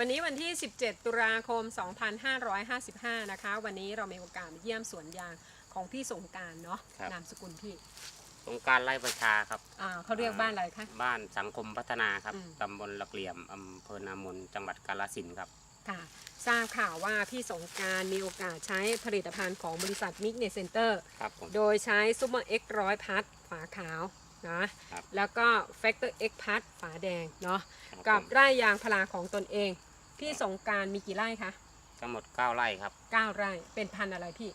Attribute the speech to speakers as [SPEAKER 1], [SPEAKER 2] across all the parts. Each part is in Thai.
[SPEAKER 1] วันนี้วันที่ 17 ตุลาคม 2555 นะคะวันนี้เรามีโอกาสมาเยี่ยมสวนยางของพี่สงกรานต์เนาะนามสกุลพี่
[SPEAKER 2] สงกรานต์ไร่ประชาครับ
[SPEAKER 1] เขาเรียกบ้านอะไรคะ
[SPEAKER 2] บ้านสังคมพัฒนาครับตำบลละเกลี่ยมอำเภอนามนจังหวัดกาฬสินธุ์ครับ
[SPEAKER 1] ค่ะทราบข่าวว่าพี่สงกรานต์มีโอกาสใช้ผลิตภัณฑ์ของบริษัทมิกเนสเซ็นเตอร์โดยใช้ซูเปอร์เอ็กซ์100พัทฝาขาวนะแล้วก็แฟกเตอร์เอ็กซ์พัทฝาแดงเนาะกับไร่ยางพาราของตนเองพี่สงกรานต์มีกี่ไร่คะ
[SPEAKER 2] ทั้งหมด9ไร่ครับ
[SPEAKER 1] 9ไร่เป็นพันธุ์อะไรพี่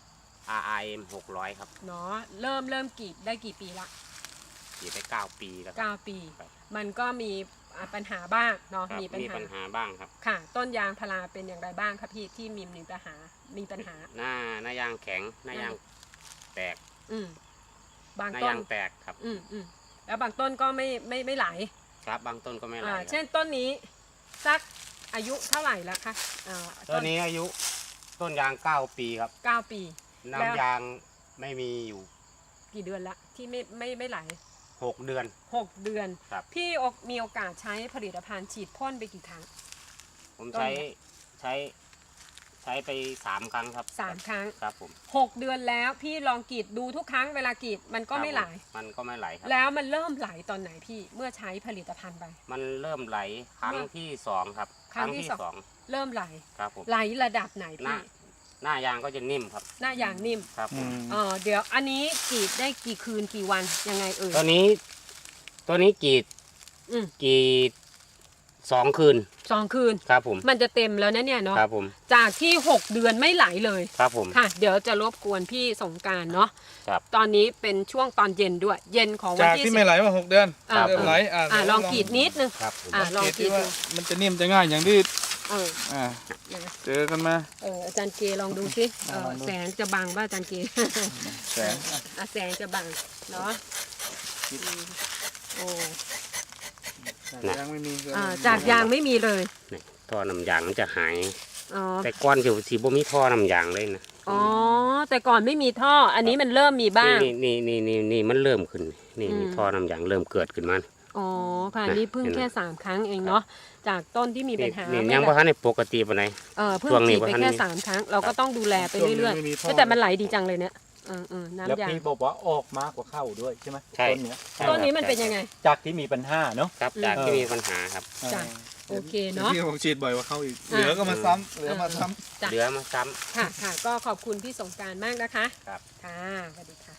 [SPEAKER 2] RIM 600ครับ
[SPEAKER 1] เนาะเริ่มกรีดได้กี่ปีละ
[SPEAKER 2] กรีดได้9 ปีแล้ว
[SPEAKER 1] 9 ปีมันก็มีปัญหาบ้างเนาะ
[SPEAKER 2] มีปัญหาบ้างครับ
[SPEAKER 1] ค่ะต้นยางพาราเป็นอย่างไรบ้างครับพี่ที่มีปัญหา
[SPEAKER 2] หน้ายางแข็งหน้ายางแตก
[SPEAKER 1] บางต้น
[SPEAKER 2] แตกครับ
[SPEAKER 1] แล้วบางต้นก็ไม่ไหล
[SPEAKER 2] ครับบางต้นก็ไม่ไหล
[SPEAKER 1] เช่นต้นนี้สักอายุเท่าไหร่แล้วคะ
[SPEAKER 2] ต้นนี้อายุต้นยาง9 ปีครับ
[SPEAKER 1] 9 ปี
[SPEAKER 2] น้ำยางไม่มีอยู่
[SPEAKER 1] กี่เดือนละที่ไม่ไหล
[SPEAKER 2] 6 เดือน
[SPEAKER 1] 6 เดือนพี่มีโอกาสใช้ผลิตภัณฑ์ฉีดพ่นไปกี่ครั้ง
[SPEAKER 2] ผมใช้ไป3 ครั้งครับ
[SPEAKER 1] 3 ครั้ง
[SPEAKER 2] ครับผม
[SPEAKER 1] 6 เดือนแล้วพี่ลองกรีดดูทุกครั้งเวลากรีดมันก็ไม่ไหล
[SPEAKER 2] ครับ
[SPEAKER 1] แล้วมันเริ่มไหลตอนไหนพี่เมื่อใช้ผลิตภัณฑ์ไป
[SPEAKER 2] มันเริ่มไหลครั้งที่2ครับ
[SPEAKER 1] ครั้งที่2เริ่มไหล
[SPEAKER 2] ครับผม
[SPEAKER 1] ไหลระดับไหนพี่
[SPEAKER 2] หน้ายางก็จะนิ่มครับ
[SPEAKER 1] หน้ายางนิ่ม
[SPEAKER 2] ครับ
[SPEAKER 1] เดี๋ยวอันนี้กรีดได้กี่คืนกี่วันยังไง
[SPEAKER 2] ตัวนี้กรีด2 คืนครับผม
[SPEAKER 1] มันจะเต็มแล้วนะเนี่ยเนาะ
[SPEAKER 2] ครับผม
[SPEAKER 1] จากที่6 เดือนไม่ไหลเลย
[SPEAKER 2] ครับผม
[SPEAKER 1] ค่ะเดี๋ยวจะรบกวนพี่สงกรานต์เนาะตอนนี้เป็นช่วงตอนเย็นด้วยเย็นของวันที่
[SPEAKER 3] ไม่ไหลมา6 เดือนเริ่มไหล
[SPEAKER 1] ลองกรีดนิดนึงลองกรีดดู
[SPEAKER 3] มันจะนิ่มจะง่ายอย่างที่เจอกันมา
[SPEAKER 1] อาจารย์เกลองดูสิแสงจะบังป่ะอาจารย์เกแสงจะบังเนาะโอ้
[SPEAKER 3] ยางไม่มี
[SPEAKER 1] จากยางไม่มีเลย
[SPEAKER 2] ท่อน้ำยางมันจะหายแต่ก่อนเดี๋ยวสีบ่มีท่อน้ำยางเลยนะ
[SPEAKER 1] แต่ก่อนไม่มีท่ออันนี้มันเริ่มมีบ้าง
[SPEAKER 2] นี่มันเริ่มขึ้นนี่ท่อน้ำยางเริ่มเกิดขึ้นมา
[SPEAKER 1] ค่ะนี่เพิ่งแค่3 ครั้งเองเนาะจากต้นที่มีปัญหา
[SPEAKER 2] ยังว่าในปกติปะไหน
[SPEAKER 1] เพิ่งฉีดไปแค่3 ครั้งเราก็ต้องดูแลไปเรื่อยๆแต่มันไหลดีจังเลยเนี่ยน้ำยางแล้ว
[SPEAKER 4] พี่บอกว่าออกมากกว่าเข้าด้วยใช่ไหม
[SPEAKER 1] ต้นนี้มันเป็นยังไง
[SPEAKER 4] จากที่มีปัญหาเนาะ
[SPEAKER 2] ครับจากที่มีปัญหาครับ
[SPEAKER 1] โอเคเนาะ
[SPEAKER 3] พี่ผมฉีดบ่อยกว่าเข้าอีกเหลือก็มาซ้ำเหลือมาซ้
[SPEAKER 1] ำค่ะก็ขอบคุณพี่สงกรานต์มากนะคะ
[SPEAKER 2] ครับ
[SPEAKER 1] ค่ะสวัสดีค่ะ